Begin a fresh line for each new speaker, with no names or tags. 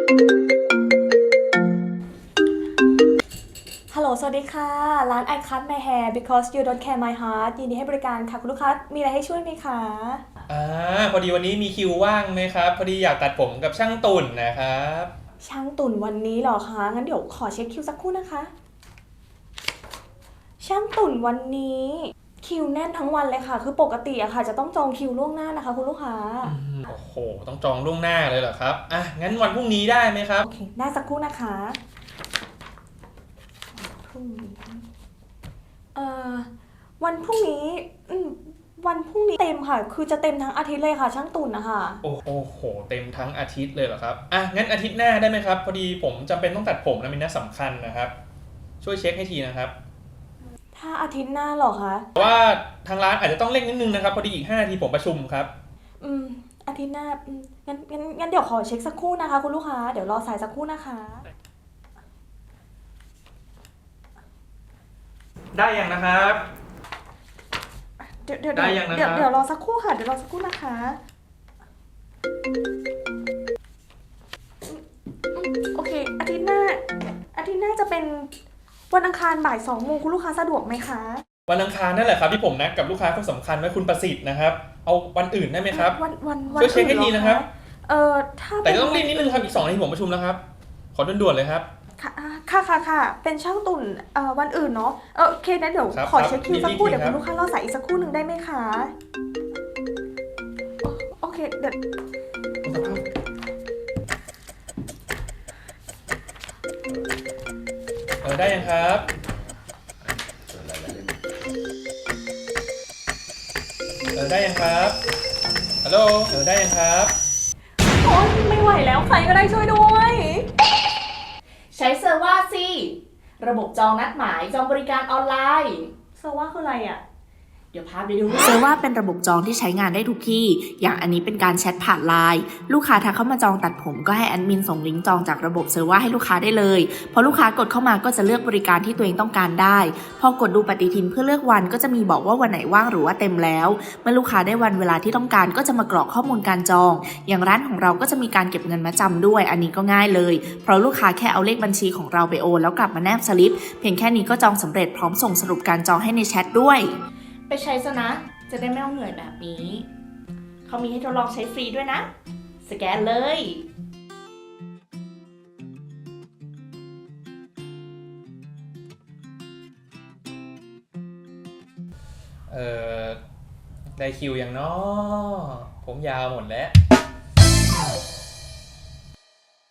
ฮัลโหลสวัสดีค่ะร้าน I cut my hair because you don't care my heart ยินดีให้บริการค่ะคุณลูกค้ามีอะไรให้ช่วยไหมคะ
พอดีวันนี้มีคิวว่างไหมครับพอดีอยากตัดผมกับช่างตุ่นนะครับ
ช่างตุ่นวันนี้เหรอคะงั้นเดี๋ยวขอเช็คคิวสักครู่นะคะช่างตุ่นวันนี้คิวแน่นทั้งวันเลยค่ะคือปกติอะค่ะจะต้องจองคิวล่วงหน้านะคะคุณลูกค้า
โอ้โหต้องจองล่วงหน้าเลยเหรอครับงั้นวันพรุ่งนี้ได้ไหมครับ
โอเคได้สักครู่นะคะพรุ่งนี้วันพรุ่งนี้วันพรุ่งนี้เต็มค่ะคือจะเต็มทั้งอาทิตย์เลยค่ะช่างตุ่นนะคะ
โอ้โหเต็มทั้งอาทิตย์เลยเหรอครับงั้นอาทิตย์หน้าได้ไหมครับพอดีผมจำเป็นต้องตัดผมนะมีนัดสำคัญนะครับช่วยเช็คให้ทีนะครับ
ถ้าอาทิตย์หน้าเหรอคะ
แต่ว่าทางร้านอาจจะต้องเร่งนิดนึงนะครับพอดีอีก5 นาทีผมประชุมครับ
อาทิตย์หน้างั้นเดี๋ยวขอเช็คสักครู่นะคะคุณลูกค้าเดี๋ยวรอสายสักครู่นะคะ
ได้ยังนะครับ
เดี๋ยว
ได้ยังนะครับ
เดี๋ยวรอสักครู่ค่ะเดี๋ยวรอสักครู่นะคะโอเคอาทิตย์หน้าจะเป็นวันอังคารบ่าย2 โมงคุณลูกค้าสะดวกไหมคะ
วันอังคารนั่นแหละครับที่ผมนัดกับลูกค้าคนสำคัญไว้คุณประสิทธิ์นะครับเอาวันอื่นได้ไหมครับ
วัน
ช่วยเช็คให้ทีนะครับ
ถ้า
แต่ก็ต้องรีบนิดนึงครับอีก2 นาทีผมประชุมแล้วครับขอด่วนๆเลยครับ
ค่ะเป็นช่างตุ่นวันอื่นเนาะโอเคนะเดี๋ยวขอเช็คคิวสักครู่เดี๋ยวคุณลูกค้ารอสายอีกสักครู่หนึ่งได้ไหมคะโอเคเดี๋ยว
ได้ยังครับได้ยังครับฮัลโหลได้ยังครับ
โอ๊ยไม่ไหวแล้วใครก็ได้ช่วยด้วย
ใช้เซอร์ว่าสิระบบจองนัดหมายจองบริการออนไลน์
เซอร์ว่าคืออะไรอ่ะ
เดี๋ยวพาไปดู
เซอร์ว่าเป็นระบบจองที่ใช้งานได้ทุกที่ อย่างอันนี้เป็นการแชทผ่านไลน์ลูกค้าทักเข้ามาจองตัดผมก็ให้แอดมินส่งลิงก์จองจากระบบเซอร์ว่าให้ลูกค้าได้เลยพอลูกค้ากดเข้ามาก็จะเลือกบริการที่ตัวเองต้องการได้พอกดดูปฏิทินเพื่อเลือกวันก็จะมีบอกว่าวันไหนว่างหรือว่าเต็มแล้วเมื่อลูกค้าได้วันเวลาที่ต้องการก็จะมากรอกข้อมูลการจองอย่างร้านของเราก็จะมีการเก็บเงินมาจำด้วยอันนี้ก็ง่ายเลยเพราะลูกค้าแค่เอาเลขบัญชีของเราไปโอนแล้วกลับมาแนบสลิปเพียงแค่นี้ก็จองสำเร็จพร้อมส่งสรุปการจองให้ในแชทด้วย
ไปใช้ซะนะจะได้ไม่ต้องเหนื่อยแบบนี้เขามีให้ทดลองใช้ฟรีด้วยนะสแกนเลย
ได้คิวยังเนาะผมยาวหมดแล้ว